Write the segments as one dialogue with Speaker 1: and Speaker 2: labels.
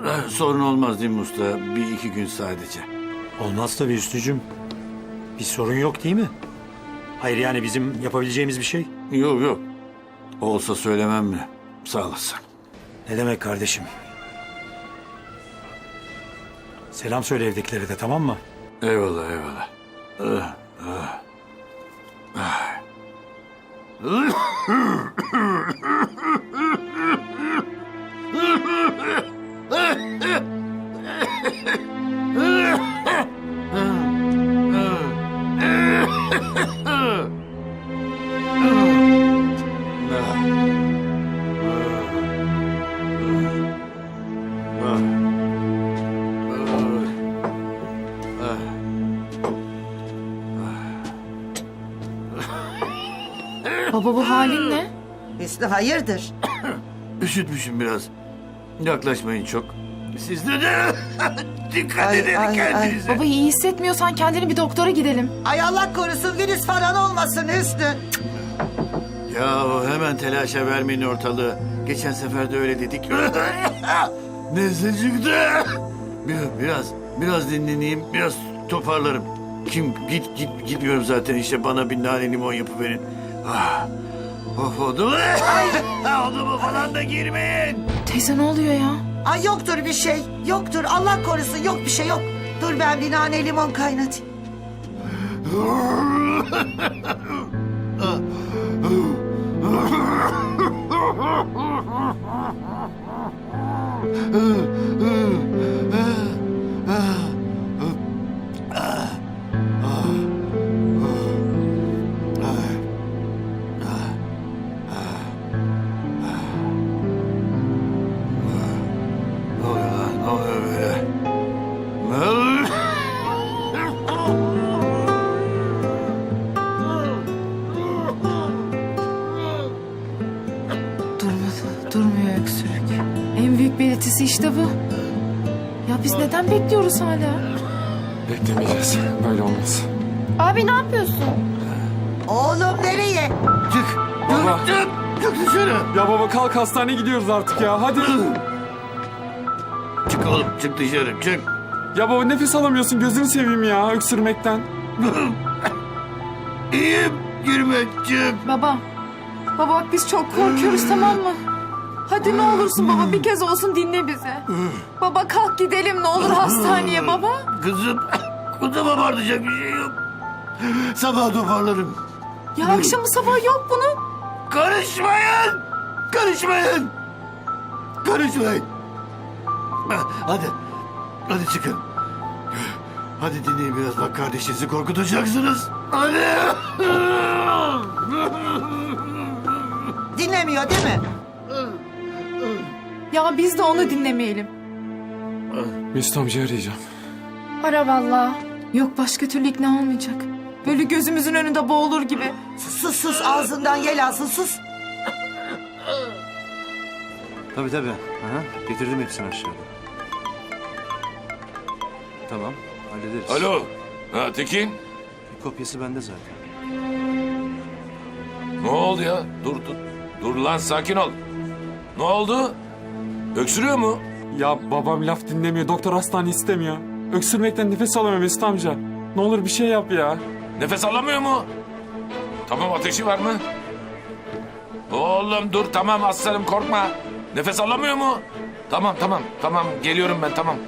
Speaker 1: Sorun olmaz değil mi usta? Bir iki gün sadece.
Speaker 2: Olmaz tabii Hüsnücüğüm. Bir sorun yok değil mi? Hayır yani bizim yapabileceğimiz bir şey.
Speaker 1: Yok yok. Olsa söylemem mi? Sağ olasın.
Speaker 2: Ne demek kardeşim? Selam söyle evdekilere de, tamam mı?
Speaker 1: Eyvallah eyvallah. Ah.
Speaker 3: Baba bu halin ne?
Speaker 4: Hüsnü hayırdır?
Speaker 1: Üşütmüşüm biraz. Yaklaşmayın çok. Siz de dikkat
Speaker 4: Ay,
Speaker 1: edin
Speaker 4: ay,
Speaker 1: kendinize.
Speaker 3: Baba iyi hissetmiyorsan kendini bir doktora gidelim.
Speaker 4: Ay Allah korusun virüs falan olmasın Hüsnü.
Speaker 1: Ya hemen telaşa vermeyin ortalığı. Geçen sefer de öyle dedik. Neyse çıktı. Biraz dinleneyim, biraz toparlarım. Gitmiyorum zaten işte, bana bir nane limon yapıverin. Ah. Of oldu mu? Oldu mu falan da girmeyin.
Speaker 3: Teyze ne oluyor ya?
Speaker 4: Ay yoktur bir şey. Yoktur Allah korusun, yok bir şey yok. Dur ben bir nane limon kaynatayım.
Speaker 1: Ne oluyor lan? Ne oluyor böyle?
Speaker 3: Durmuyor öksürük. En büyük belirtisi işte bu. Ya biz neden bekliyoruz hala?
Speaker 5: Beklemeyeceğiz. Böyle olmaz.
Speaker 3: Abi ne yapıyorsun?
Speaker 4: Oğlum nereye?
Speaker 1: Çık.
Speaker 5: Baba.
Speaker 1: Çık dışarı.
Speaker 5: Ya baba kalk, hastaneye gidiyoruz artık ya. Hadi.
Speaker 1: Çık oğlum, çık dışarı, çık.
Speaker 5: Ya baba nefes alamıyorsun, gözünü seveyim ya öksürmekten.
Speaker 1: İyiyim, girme, çık.
Speaker 3: Baba. Baba bak biz çok korkuyoruz, tamam mı? Hadi ne olursun baba, bir kez olsun dinle bizi. Baba kalk gidelim ne olur hastaneye baba.
Speaker 1: Kızım, kuzuma barınacak bir şey yok. Sabah toparlarım.
Speaker 3: Ya akşamı sabah yok bunun.
Speaker 1: Karışmayın! Karışmayın! Karışmayın! Hadi çıkın. Hadi dinleyin biraz, bak kardeşinizi korkutacaksınız. Hadi!
Speaker 4: Dinlemiyor değil mi?
Speaker 3: Ya biz de onu dinlemeyelim.
Speaker 5: Mesut amcayı arayacağım.
Speaker 3: Ara vallahi. Yok başka türlü ikna olmayacak. Böyle gözümüzün önünde boğulur gibi.
Speaker 4: Sus ağzından yel alsın sus.
Speaker 6: Tabii. Aha, getirdim hepsini aşağıda. Tamam, hallederiz.
Speaker 7: Alo. Ha Tekin.
Speaker 6: Bir kopyası bende zaten.
Speaker 7: Ne oldu ya? Dur lan, sakin ol. Ne oldu? Öksürüyor mu?
Speaker 5: Ya babam laf dinlemiyor, doktor hastane istemiyor. Öksürmekten nefes alamıyor Mesut amca. Ne olur bir şey yap ya.
Speaker 7: Nefes alamıyor mu? Tamam, ateşi var mı? Oğlum dur, tamam aslanım, korkma. Nefes alamıyor mu? Tamam geliyorum ben, tamam.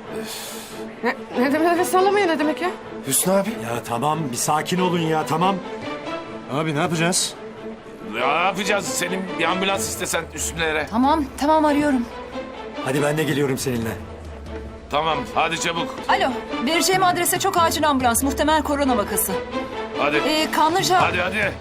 Speaker 3: Ne demek nefes alamıyor, ne demek ya?
Speaker 6: Hüsnü abi.
Speaker 2: Ya tamam, bir sakin olun ya, tamam.
Speaker 6: Abi ne yapacağız?
Speaker 7: Ne yapacağız? Senin bir ambulans istesen üstünlere.
Speaker 3: Tamam arıyorum.
Speaker 2: Hadi ben de geliyorum seninle.
Speaker 7: Tamam, hadi çabuk.
Speaker 8: Alo, vereceğim adrese çok acil ambulans, muhtemel korona vakası.
Speaker 7: Hadi.
Speaker 8: Kanlıca...
Speaker 7: Hadi.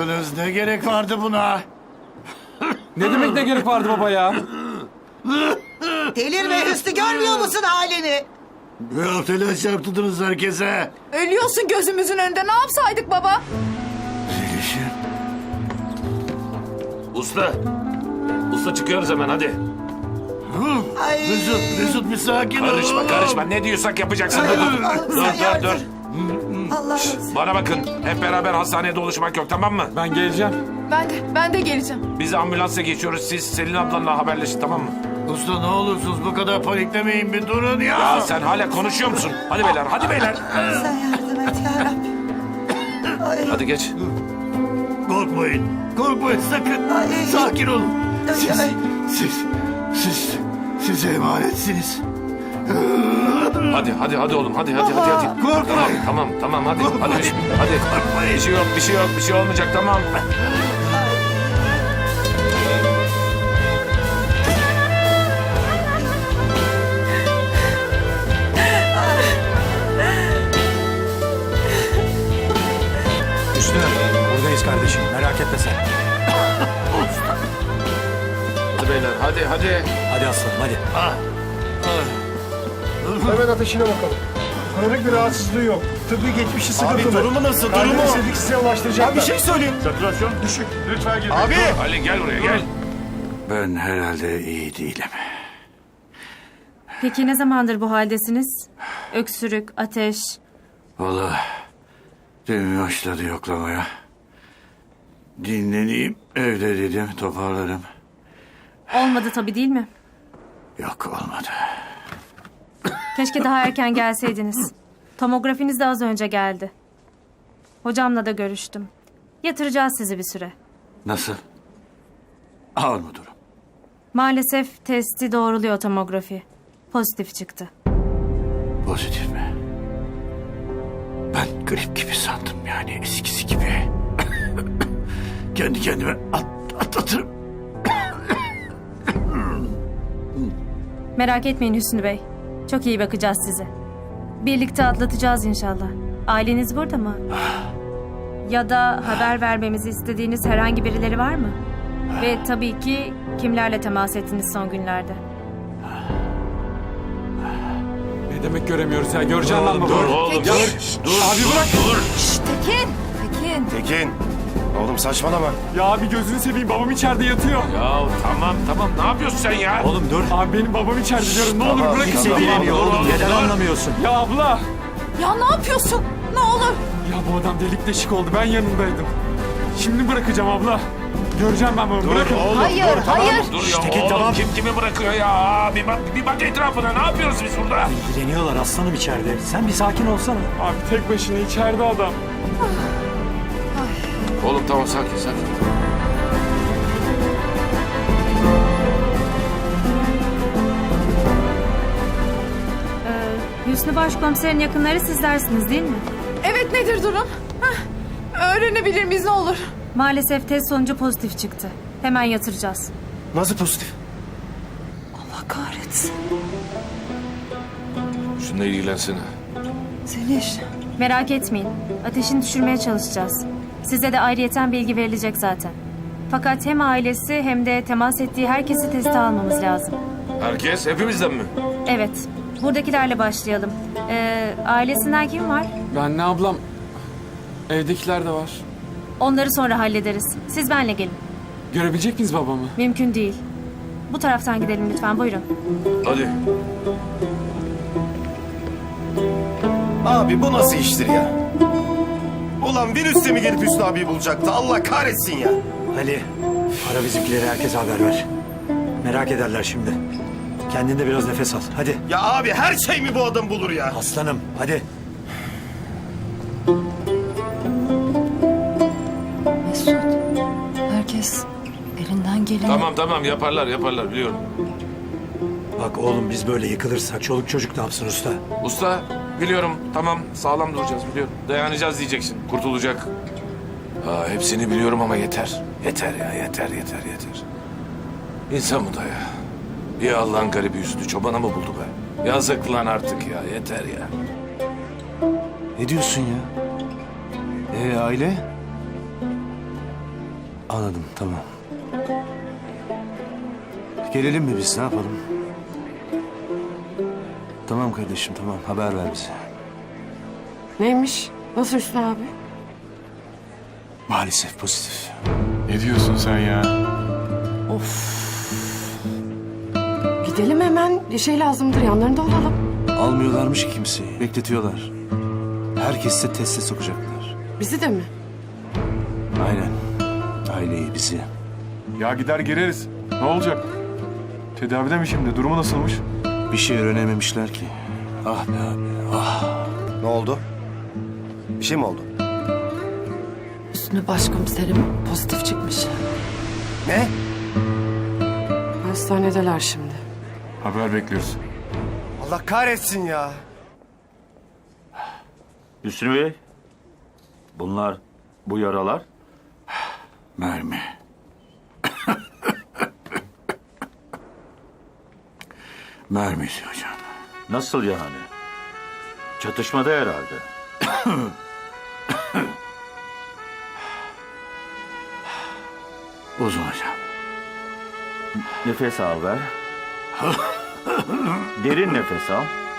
Speaker 1: yaptınız? Ne gerek vardı buna?
Speaker 5: Ne demek ne gerek vardı baba ya?
Speaker 4: Delirme Hüsnü, görmüyor musun halini?
Speaker 1: Ya telaş yaptırdınız herkese.
Speaker 3: Ölüyorsun gözümüzün önünde. Ne yapsaydık baba?
Speaker 1: Zeliş'im.
Speaker 7: Usta. Usta çıkıyoruz hemen hadi.
Speaker 4: Ay.
Speaker 1: Mesut bir sakin ol.
Speaker 7: Karışma karışma. Ne diyorsak yapacaksın.
Speaker 4: Ay,
Speaker 7: Dur
Speaker 4: Allah'ım
Speaker 7: dur
Speaker 4: sen
Speaker 7: dur
Speaker 4: yardım.
Speaker 7: dur.
Speaker 4: Allah'ım.
Speaker 7: Bana bakın. Hep beraber hastanede oluşmak yok tamam mı?
Speaker 5: Ben geleceğim.
Speaker 3: Ben de geleceğim.
Speaker 7: Biz ambulansa geçiyoruz. Siz Selin ablanla haberleşin tamam mı?
Speaker 1: Usta ne olursunuz bu kadar paniklemeyin bir durun ya.
Speaker 7: Ya sen hala konuşuyor musun? Hadi beyler hadi beyler.
Speaker 4: Sen yardım et yarabbim. Ay.
Speaker 7: Hadi geç.
Speaker 1: Korkmayın. Korkmayın sakın.
Speaker 4: Ay.
Speaker 1: Sakin olun.
Speaker 4: Ay, ay.
Speaker 1: Size emanetsiniz.
Speaker 7: Hadi oğlum hadi.
Speaker 1: Korkmayın.
Speaker 7: Tamam hadi.
Speaker 1: Korkmayın.
Speaker 7: Hadi.
Speaker 1: Korkmayın.
Speaker 7: Bir şey olmayacak tamam.
Speaker 2: Hüsnü buradayız kardeşim. Merak etme sen.
Speaker 7: Hadi beyler hadi.
Speaker 2: Hadi aslanım hadi.
Speaker 9: Hemen ateşine bakalım. Kronik bir rahatsızlığı yok. Tıbbi geçmişi sıkıntılı.
Speaker 6: Abi durumu nasıl?
Speaker 9: Kalbini
Speaker 6: Durumu?
Speaker 9: istedik size ulaştıracaklar.
Speaker 6: Ya bir şey söyleyeyim.
Speaker 9: Satürasyon düşük. Lütfen girin.
Speaker 6: Abi.
Speaker 7: Ali gel buraya gel.
Speaker 1: Ben herhalde iyi değilim.
Speaker 10: Peki ne zamandır bu haldesiniz? Öksürük, ateş.
Speaker 1: Vallahi demin başladı yoklamaya. Dinleneyim evde dedim toparlarım.
Speaker 10: Olmadı tabii değil mi?
Speaker 1: Yok olmadı.
Speaker 10: Keşke daha erken gelseydiniz. Tomografiniz de az önce geldi. Hocamla da görüştüm. Yatıracağız sizi bir süre.
Speaker 1: Nasıl? Ağır mı durum?
Speaker 10: Maalesef testi doğruluyor tomografi. Pozitif çıktı.
Speaker 1: Pozitif mi? Ben grip gibi sandım yani eskisi gibi. Kendi kendime atlatırım.
Speaker 10: Merak etmeyin Hüsnü Bey. Çok iyi bakacağız size. Birlikte atlatacağız inşallah. Aileniz burada mı? Ya da haber vermemizi istediğiniz herhangi birileri var mı? Ve tabii ki kimlerle temas ettiniz son günlerde?
Speaker 5: Ne demek göremiyoruz ya? Göreceğim ben baba.
Speaker 7: Dur oğlum dur.
Speaker 5: Abi bırak.
Speaker 7: Dur.
Speaker 3: Tekin.
Speaker 6: Tekin. Oğlum saçmalama.
Speaker 5: Ya abi gözünü seveyim babam içeride yatıyor.
Speaker 7: Ya tamam ne yapıyorsun sen ya?
Speaker 2: Oğlum dur.
Speaker 5: Abi benim babam içeride diyorum. Ne olur bırakın.
Speaker 2: Kimse
Speaker 5: beni.
Speaker 2: bilemiyor oğlum. Neden
Speaker 7: dur.
Speaker 2: anlamıyorsun?
Speaker 5: Ya abla.
Speaker 3: Ya ne yapıyorsun? Ne olur.
Speaker 5: Ya bu adam delik deşik oldu. Ben yanındaydım. Şimdi bırakacağım abla. Göreceğim ben bunu. Bırakın.
Speaker 3: Hayır.
Speaker 7: Dur ya
Speaker 2: Tekin,
Speaker 7: oğlum
Speaker 2: tamam.
Speaker 7: kim kimi bırakıyor ya? Bir bak etrafına ne yapıyoruz biz burada?
Speaker 2: İlgileniyorlar aslanım içeride. Sen bir sakin olsana.
Speaker 5: Abi tek başına içeride adam.
Speaker 7: Oğlum tamam sakin.
Speaker 10: Hüsnü Başkomiserin yakınları sizlersiniz değil mi?
Speaker 3: Evet nedir durum? Öğrenebilir miyiz ne olur?
Speaker 10: Maalesef test sonucu pozitif çıktı. Hemen yatıracağız.
Speaker 6: Nasıl pozitif?
Speaker 3: Allah kahretsin.
Speaker 7: Şununla ilgilensene.
Speaker 3: Zeliş.
Speaker 10: Merak etmeyin. Ateşini düşürmeye çalışacağız. Size de ayrıyeten bilgi verilecek zaten. Fakat hem ailesi hem de temas ettiği herkesi teste almamız lazım.
Speaker 7: Herkes hepimizden mi?
Speaker 10: Evet. Buradakilerle başlayalım. Ailesinden kim var?
Speaker 5: Ben ne ablam? Evdekiler de var.
Speaker 10: Onları sonra hallederiz. Siz benle gelin.
Speaker 5: Görebilecek miyiz babamı?
Speaker 10: Mümkün değil. Bu taraftan gidelim lütfen. Buyurun.
Speaker 7: Hadi.
Speaker 6: Abi bu nasıl iştir ya? Ulan virüs mi gelip Hüsnü abiyi bulacaktı? Allah kahretsin ya.
Speaker 2: Ali ara bizimkileri herkese haber ver. Merak ederler şimdi. Kendinde biraz nefes al. Hadi.
Speaker 6: Ya abi her şey mi bu adam bulur ya?
Speaker 2: Aslanım hadi.
Speaker 8: Mesut, herkes elinden geleni...
Speaker 7: Tamam yaparlar biliyorum.
Speaker 2: Bak oğlum biz böyle yıkılırsak çoluk çocuk ne yapsın usta?
Speaker 7: Usta biliyorum tamam sağlam duracağız biliyorum. Dayanacağız diyeceksin. Kurtulacak. Hepsini biliyorum ama yeter. Yeter ya yeter. İnsan bu da ya. Bir Allah'ın garibi yüzünü çobana mı buldu be? Yazık lan artık ya yeter ya.
Speaker 6: Ne diyorsun ya? Aile? Anladım, tamam. Gelelim mi biz, ne yapalım? Tamam kardeşim, tamam. Haber ver bize.
Speaker 3: Neymiş? Nasıl Hüsnü abi?
Speaker 6: Maalesef pozitif.
Speaker 7: Ne diyorsun sen ya?
Speaker 3: Gidelim hemen. Bir şey lazımdır. Yanlarında olalım.
Speaker 6: Almıyorlarmış ki kimseyi. Bekletiyorlar. Herkesi de teste sokacaklar.
Speaker 3: Bizi de mi?
Speaker 6: Aynen. Aileyi, bizi.
Speaker 5: Ya gider gireriz. Ne olacak? Tedavide mi şimdi? Durumu nasılmış?
Speaker 6: Bir şey öğrenememişler ki. Ah be abi, ah.
Speaker 11: Ne oldu? Bir şey mi oldu?
Speaker 3: Hüsnü başkomiserim pozitif çıkmış.
Speaker 11: Ne?
Speaker 3: Hastanedeler şimdi.
Speaker 5: Haber bekliyoruz.
Speaker 11: Allah kahretsin ya.
Speaker 2: Hüsnü Bey, bu yaralar.
Speaker 1: Mermi. Mermisi hocam.
Speaker 2: Nasıl yani? Çatışmada herhalde.
Speaker 1: Uzun hocam.
Speaker 2: Nefes al ver. Derin nefes al.